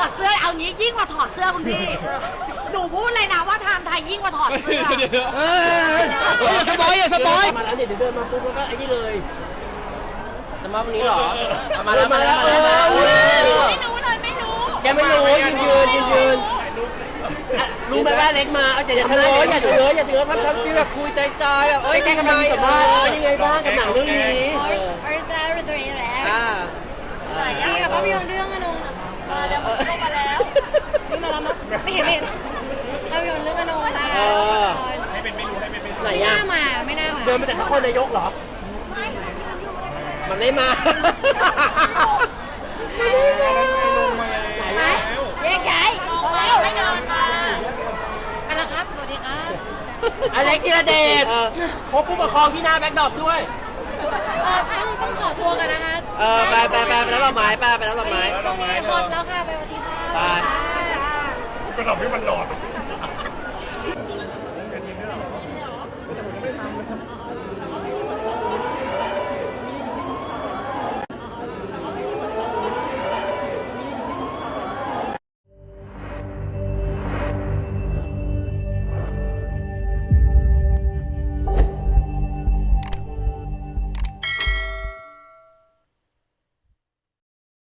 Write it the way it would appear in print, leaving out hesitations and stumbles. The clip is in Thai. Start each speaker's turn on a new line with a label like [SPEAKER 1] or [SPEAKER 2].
[SPEAKER 1] อดเสื้อเอางี้ยิ่งกว่าถอดเสื้อคุณพี่หนูพูดเลยนะว่าไทม์ไทยยิ่งกว่าถอดเสื้อ
[SPEAKER 2] อย่าสปอยอย่าสปอย
[SPEAKER 3] มาแล้วเดี๋ยวเดินมาปุ๊บแล้วก็ไอ้นี่เลยจะมาวันนี้เหรอมาแล้ว
[SPEAKER 1] ไม่รู้เลยไม่รู้
[SPEAKER 2] แกไม่รู้ยืน
[SPEAKER 3] รู้ไหมว่าเล็กมา
[SPEAKER 2] อย่าเฉลยอย่าเฉลยทำฟีลแบบคุยใจแบบเอ้ยแกทำไม
[SPEAKER 3] ยังไงบ้างกับหนังเรื่องนี้
[SPEAKER 1] นี่กับภาพยนตร์เรื่องอนงเดี๋ยวมันเข้ามาแล้วนี่มาแล้วมั้ยไม่เห็นภาพยนตร์เรื่องอนงนะ
[SPEAKER 3] ไหน
[SPEAKER 1] ไม่น่ามา
[SPEAKER 3] เดินมาจากนครนายกเหรอ
[SPEAKER 2] มันไม่มา
[SPEAKER 1] ไหนแยกย้ายพอแล้วไม่เดินมาไปแล้วครับสวัสดีครับ
[SPEAKER 3] อเล็กธีรเดชพบผู้ปกครองที่หน้าแบ็คดรอปด้วย
[SPEAKER 1] ต้องขอตัวกันนะคะ
[SPEAKER 2] ไปแล้วเราไม้ไปแล้วเราไม้
[SPEAKER 1] ช่วงนี้ฮอตแล้วค่ะไปวันที่5
[SPEAKER 4] ไปก็ทำให้มันหลอด